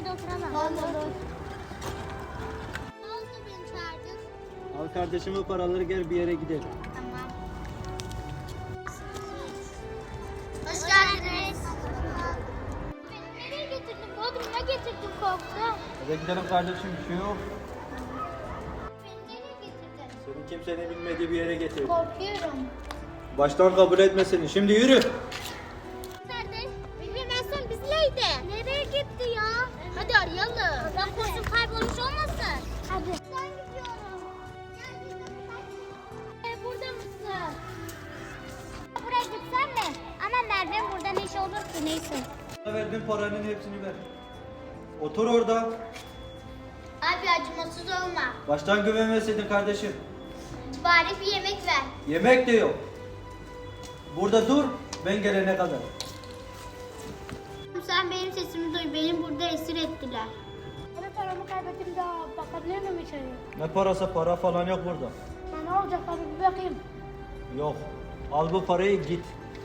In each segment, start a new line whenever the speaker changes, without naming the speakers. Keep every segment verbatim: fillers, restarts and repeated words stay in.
yerde oturalım.
Olur.
Ne oldu, beni çağırdın?
Al kardeşim o paraları, gel bir yere gidelim.
Tamam. Hoş geldiniz. Beni nereye getirdin? Bodrum'a getirdin, korktum.
Hadi gidelim kardeşim, bir şey yok.
Beni nereye getirdin?
Seni kimsenin bilmediği bir yere getirdim.
Korkuyorum.
Baştan kabul etme seni. Şimdi yürü.
Nerede? Bilmezsen bizleydi. Nereye gitti ya? Hadi arayalım. Ben kurşun kaybolmuş olmasın? Hadi. Ben gidiyorum. Ee, burada mısın? Buraya gitsen mi? Ama Merve'nin burada ne iş olur ki, neyse.
Sana verdiğim paranın hepsini ver. Otur orada.
Abi acımasız olma.
Baştan güvenmeseydin kardeşim.
Bari bir yemek ver.
Yemek de yok. Burada dur, ben gelene kadar.
Sen benim sesimi duy. Beni burada esir ettiler.
Ben paramı kaybettim daha bakabilir miyim içeriye?
Ne parası, para falan yok burada.
Ya ne olacak abi bir bakayım.
Yok. Al bu parayı, git.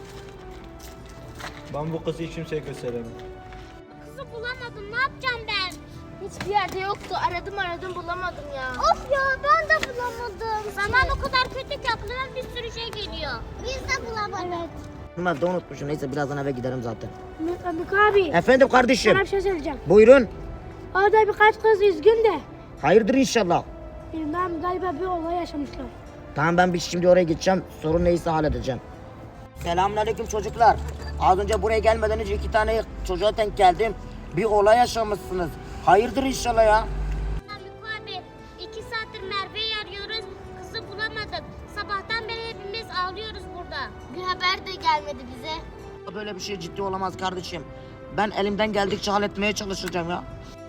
Ben bu kızı hiç kimseye gösteremem.
Kızı bulamadım. Ne yapacağım ben?
Hiçbir yerde yoktu. Aradım aradım bulamadım ya.
Of ya, ben de bulamadım. Zaman o kadar kötü ki aklına bir sürü şey geliyor. Biz de bulamadık.
Evet.
Ben de unutmuşum. Neyse birazdan eve giderim zaten.
Mük abi.
Efendim kardeşim.
Sana bir şey söyleyeceğim.
Buyurun.
Orada birkaç kız üzgün de.
Hayırdır inşallah.
Bilmem, galiba bir olay yaşamışlar.
Tamam, ben bir şimdi oraya gideceğim. Sorun neyse halledeceğim. Selamünaleyküm çocuklar. Az önce buraya gelmeden önce iki tane çocuğa denk geldim. Bir olay yaşamışsınız. Hayırdır inşallah ya.
Haluk abi, iki saattir Merve'yi arıyoruz. Kızı bulamadık. Sabahtan beri hepimiz ağlıyoruz burada. Bir haber de gelmedi bize.
Böyle bir şey ciddi olamaz kardeşim. Ben elimden geldikçe halletmeye çalışacağım ya.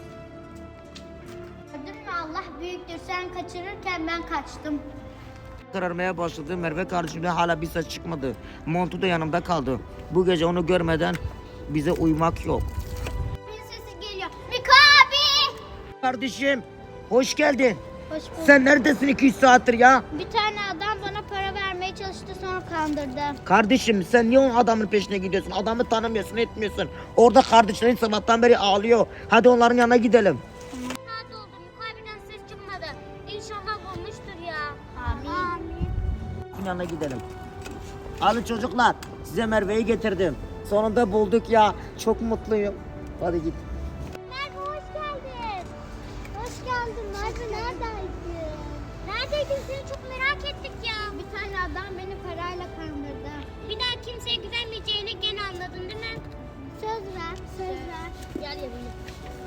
Gördün mü, Allah büyüktür. Sen kaçırırken ben kaçtım.
Kararmaya başladı. Merve kardeşimden hala bir ses çıkmadı. Montu da yanımda kaldı. Bu gece onu görmeden bize uyumak yok.
Bir sesi geliyor. Miko abi!
Kardeşim hoş geldin.
Hoş bulduk.
Sen neredesin iki üç saattir ya?
Bir tane adam bana para vermeye çalıştı, sonra kandırdı.
Kardeşim sen niye o adamın peşine gidiyorsun? Adamı tanımıyorsun, etmiyorsun. Orada kardeşlerin sabahtan beri ağlıyor. Hadi onların yanına gidelim.
Saat oldu, Miko abiden ses çıkmadı. İnşallah bulmuştur ya. Amin.
Onun yanına gidelim. Alın çocuklar, size Merve'yi getirdim. Sonunda bulduk ya. Çok mutluyum. Hadi git.
Merve hoş geldin. Hoş geldin Merve, neredeydin? Neredeydin, seni çok merak ettik ya. Bir tane adam beni parayla kandırdı. Bir daha kimseye güvenmeyeceğini gene anladın değil mi? Söz ver, söz ver. Gel yanıma.